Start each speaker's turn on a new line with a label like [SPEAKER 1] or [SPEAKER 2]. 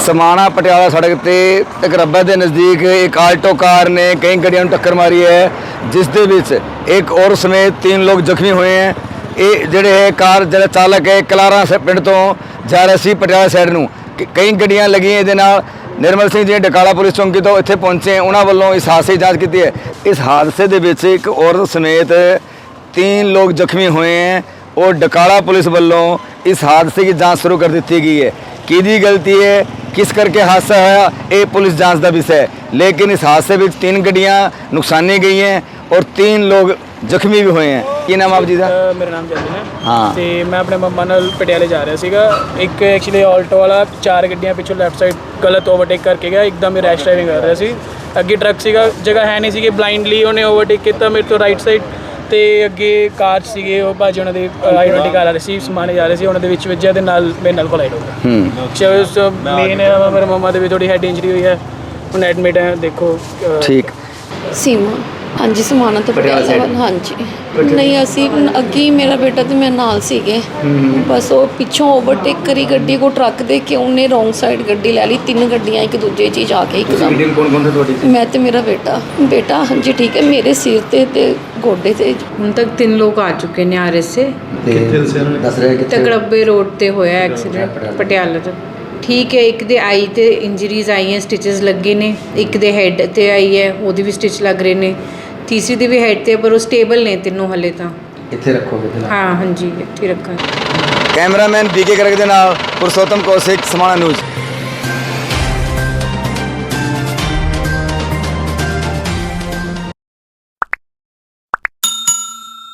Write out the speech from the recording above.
[SPEAKER 1] समाणा पटियाला सड़क ते तकरब्बा के नज़दीक एक आल्टो कार ने कई गड्डियां टक्कर मारी है, जिस दे विच एक और समेत 3 लोग जख्मी हुए हैं। ये ਜਿਹੜੇ है कार ਜਿਹੜਾ चालक है कलारा से पिंड तो जा रहा सी पटियाला साइड ਨੂੰ कई गड्डियां लगी ਇਹਦੇ ਨਾਲ। निर्मल सिंह जी डकाला पुलिस चौंकी तो इत्थे पहुंचे, उन्होंने वालों इस हादसे की जाँच की है। इस हादसे के विच एक औरत समेत 3 लोग जख्मी हुए हैं और डकाला पुलिस वालों इस हादसे की जाँच शुरू कर दी गई है। किहदी गलती है, किस करके हादसा होया, ये पुलिस जाँच का विषय है। लेकिन इस हादसे में 3 गड्डियाँ नुकसानी गई हैं और 3 लोग ਜ਼ਖਮੀ ਵੀ ਹੋਏ ਹੈ। ਕੀ ਨਾਮ ਆਪ ਜੀ ਦਾ?
[SPEAKER 2] ਮੇਰਾ ਨਾਮ ਜਤਨ ਹੈ।
[SPEAKER 1] ਹਾਂ,
[SPEAKER 2] ਤੇ ਮੈਂ ਆਪਣੇ ਮੰਮਾ ਨਾਲ ਪਟਿਆਲੇ ਜਾ ਰਿਹਾ ਸੀਗਾ। ਇੱਕ ਐਕਚੁਅਲੀ ਆਲਟੋ ਵਾਲਾ 4 ਗੱਡੀਆਂ ਪਿੱਛੋਂ ਲੈਫਟ ਸਾਈਡ ਗਲਤ ਓਵਰਟੇਕ ਕਰਕੇ ਗਿਆ, ਇੱਕਦਮ ਹੀ ਰੈਸ਼ ਡਰਾਈਵਿੰਗ ਕਰ ਰਿਹਾ ਸੀ। ਅੱਗੇ ਟਰੱਕ ਸੀਗਾ, ਜਗ੍ਹਾ ਹੈ ਨਹੀਂ ਸੀਗੀ, ਬਲਾਈਂਡਲੀ ਉਹਨੇ ਓਵਰਟੇਕ ਕੀਤਾ ਮੇਰੇ ਤੋਂ ਰਾਈਟ ਸਾਈਡ ਤੇ ਅੱਗੇ ਕਾਰ ਸੀਗੇ, ਉਹ ਭਾਜੀ ਉਹਨਾਂ ਦੇ ਆਈਡੈਂਟੀ ਕਾਰ ਆ ਰਹੀ ਸੀ, ਸਮਾਨੇ ਜਾ ਰਹੇ ਸੀ, ਉਹਨਾਂ ਦੇ ਵਿੱਚ ਵੱਜਿਆ ਤੇ ਨਾਲ ਮੇਰੇ ਨਾਲ ਕੋਲਾਈਡ ਹੋ ਗਿਆ। ਮੇਨ ਮੇਰੇ ਮੰਮਾ ਦੇ ਵੀ ਥੋੜੀ ਹੈਡ ਇੰਜਰੀ ਹੋਈ ਹੈ, ਹੁਣ ਐਡਮਿਟ ਹੈ। ਦੇਖੋ
[SPEAKER 1] ਠੀਕ।
[SPEAKER 3] ਸੀਮਾ ਹਾਂਜੀ ਸਮਾਣਾ ਤੋਂ ਪਟਿਆਲਾ ਵੱਲ। ਹਾਂਜੀ ਨਹੀਂ ਅਸੀਂ ਅੱਗੇ ਹੀ ਮੇਰਾ ਬੇਟਾ ਤੇ ਮੈਂ ਨਾਲ ਸੀਗੇ, ਬਸ ਉਹ ਪਿੱਛੋਂ ਓਵਰਟੇਕ ਕਰੀ ਗੱਡੀ ਕੋ ਟਰੱਕ ਦੇ ਕੇ ਉਹਨੇ ਰੋਂਗ ਸਾਈਡ ਗੱਡੀ ਲੈ ਲਈ। 3 ਗੱਡੀਆਂ ਇੱਕ ਦੂਜੇ 'ਚ ਜਾ ਕੇ ਇੱਕਦਮ।
[SPEAKER 1] ਕੌਣ ਸੀ ਤੁਹਾਡੀ?
[SPEAKER 3] ਮੈਂ ਤੇ ਮੇਰਾ ਬੇਟਾ ਹਾਂਜੀ ਠੀਕ ਹੈ। ਮੇਰੇ ਸਿਰ ਤੇ ਗੋਡੇ ਤੇ
[SPEAKER 4] ਹੁਣ ਤੱਕ 3 ਲੋਕ ਆ ਚੁੱਕੇ ਨੇ ਆਰਐਸ ਸੇ।
[SPEAKER 1] ਦੱਸ ਰਹੇ ਕਿੱਥੇ?
[SPEAKER 4] ਤਕੜੱਬੇ ਰੋਡ ਤੇ ਹੋਇਆ ਐਕਸੀਡੈਂਟ ਪਟਿਆਲਾ ਤੋਂ। ਠੀਕ ਹੈ, ਇੱਕ ਦੇ ਆਈ ਤੇ ਇੰਜਰੀਜ਼ ਆਈਆਂ, ਸਟਿਚਸ ਲੱਗੇ ਨੇ। ਇੱਕ ਦੇ ਹੈਡ ਤੇ ਆਈ ਹੈ, ਉਹਦੀ ਵੀ ਸਟਿਚ ਲੱਗ ਰਹੇ ਨੇ। ਤੀਸਰੀ ਦੀ ਵੀ ਹੈਡ ਤੇ, ਪਰ ਉਹ ਸਟੇਬਲ ਨੇ ਤਿੰਨੋਂ ਹਲੇ ਤਾਂ।
[SPEAKER 1] ਇੱਥੇ ਰੱਖੋਗੇ ਫਿਲਹਾਲ?
[SPEAKER 4] ਹਾਂ ਹਾਂਜੀ ਇੱਥੇ ਰੱਖਾਂਗੇ।
[SPEAKER 1] ਕੈਮਰਾਮੈਨ ਬੀਕੇ ਕਰਕ ਦੇ ਨਾਲ ਪੁਰਸ਼ੋਤਮ ਕੌਸ਼ਿਕ, ਸਮਾਣਾ ਨਿਊਜ਼।